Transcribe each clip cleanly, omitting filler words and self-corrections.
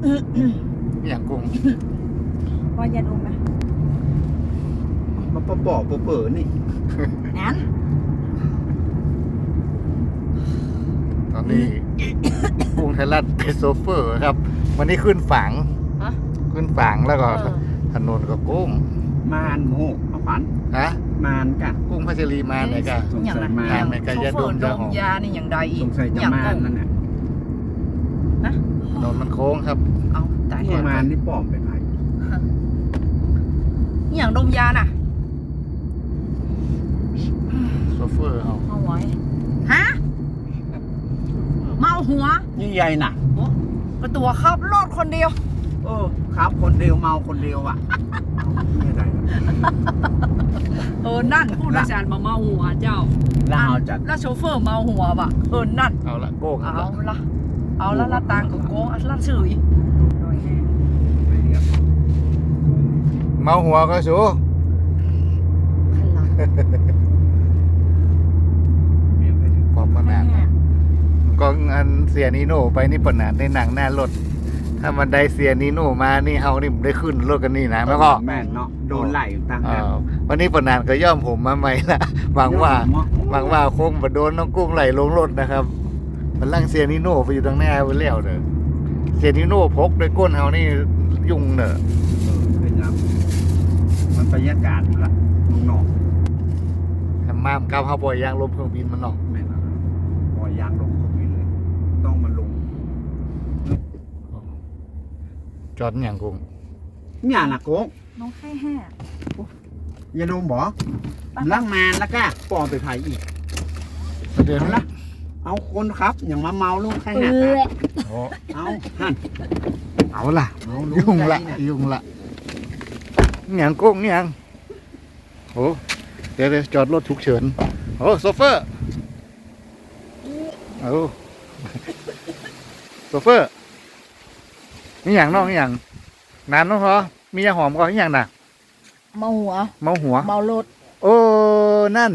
อย่างกุ้งว่ายาดมนะมาปอกเปิดนี่นั้นตอนนี้ กุ้งไทยรัฐเป็นโซเฟอร์ครับ วันนี้ขึ้นฝังฮะขึ้นฝังแล้วก็ถนนก็กุ้งมานโมเอาขวัญฮะมานกะกุ้งพัชรีมาไหนกันสงสัยมาอย่างไรก็ยาดมโชเฟอร์ดมยานี่อย่างใดอีสกงสัยจะมานนั่นแหละนะถนนมันโค้งครับเอาตายนี่มานนี่ปลอมเป็นไรอย่างดมยาน่ะโซเฟอร์เอาเอาไว้ฮะเมาหัวนี่ใหญ่น่ะกระตัวขับรถคนเดียวครับคนเดียวเมาคนเดียวอ่ะนี่อะไรนั่นผู้โดยสารมาเมาหัวเจ้าแล้วเอาจัดแล้วโชเฟอร์เมาหัวว่ะนั่นเอาละโก้งเอาละละละตังกับโกงละสื่อเมาหัวก็สูพอขนาดก็อันเสียนีโน่ไปนี่ปนานในหนังหน้ารถถ้ามันได้เสียนีโน่มานี่เฮานี่ได้ขึ้นรถกันนี่นะแล้วก็แม่นเนาะโดนไหลต่างวันนี้ปนานก็ย่อมผมมาใหม่ละหวังว่าคงมาโดนน้องกุ้งไหลลงรถนะครับมันลั่งเสียนีโน่ไปอยู่ตรงหน้าไปแล้วเด้อเสียนีโน่พกด้วยก้นเฮานี่ยุ่งเนอะเป็นยังมันบรรยากาศละนอกทำมามก้าวเฮาปล่อยยางลมเครื่องบินมันเนาะแม่นปล่อยยางลงเข้าไปเลย ต้องมาลงจอดอย่างกุ้งเนี่ยนะโก้น้องไข้แห่ยาดมบ่ล่างมานแล้วก็ปอไปไผ่อีกเดี๋ยวเอานะละเอาคนครับอย่างมาเมาลูกใครหักเอาหั่นเอาล่ะเอายุ่งละยุ่งละอย่างกุ้งอย่างโอ้เดี๋ยวจอดรถฉุกเฉินโอ้โซเฟอร์เอาโซเฟอร์นี่อย่างน้องนี่อย่างนานน้องเหรอมียาหอมก่อนนี่อย่างน่ะเมาหัวเมาหัวเมารถโอ้นั่น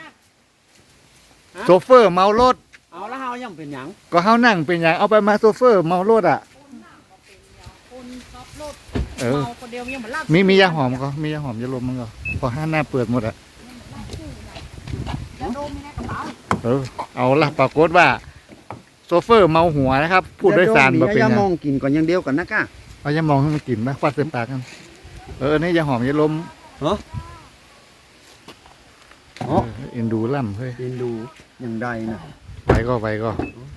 โซเฟอร์เมารถเอาแล้วเฮายังเป็นหยังก็เฮานั่งเป็นอย่างเอาไปมาโซเฟอร์เมารถอ่ะคนขับรถเออเมาคนเดียวยังเหมือนลากมียาหอมก็มียาหอมยาลมมันก็พอห้าหน้าเปิดหมดอ่ะยาดมในกระเป๋าเอาละปรากฏว่าโซเฟอร์เมาหัวนะครับผู้โดยสารบ่มาเป็นยาหยัมอง งกินก่อนอย่างเดียวกันนะก้าเอายามองให้มันกินไหมควัดเส้นปากกันนี่ยาหอมยาลมเหรออ๋อเอ็นดูล่ำเฮ้ยเรียนดูอย่างใดนะไปก็ไว้เลย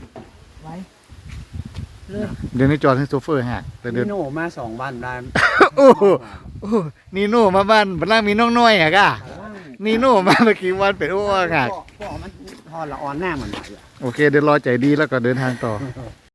เดี๋ยวนี้จอดให้โซเฟอร์หักแต่เดินี่นโน่มา2 วันได้โอ้โหนีโน่มาบ้านบ้านล่างมีน้องน้อยอ่ะก้านีโน่มาเมื่อกี้วันเป็นโอ้หักก็มันพอละออนหน้ามันไหลโอเคเดี๋ยวรอใจดีแล้วก็เดินทางต่อ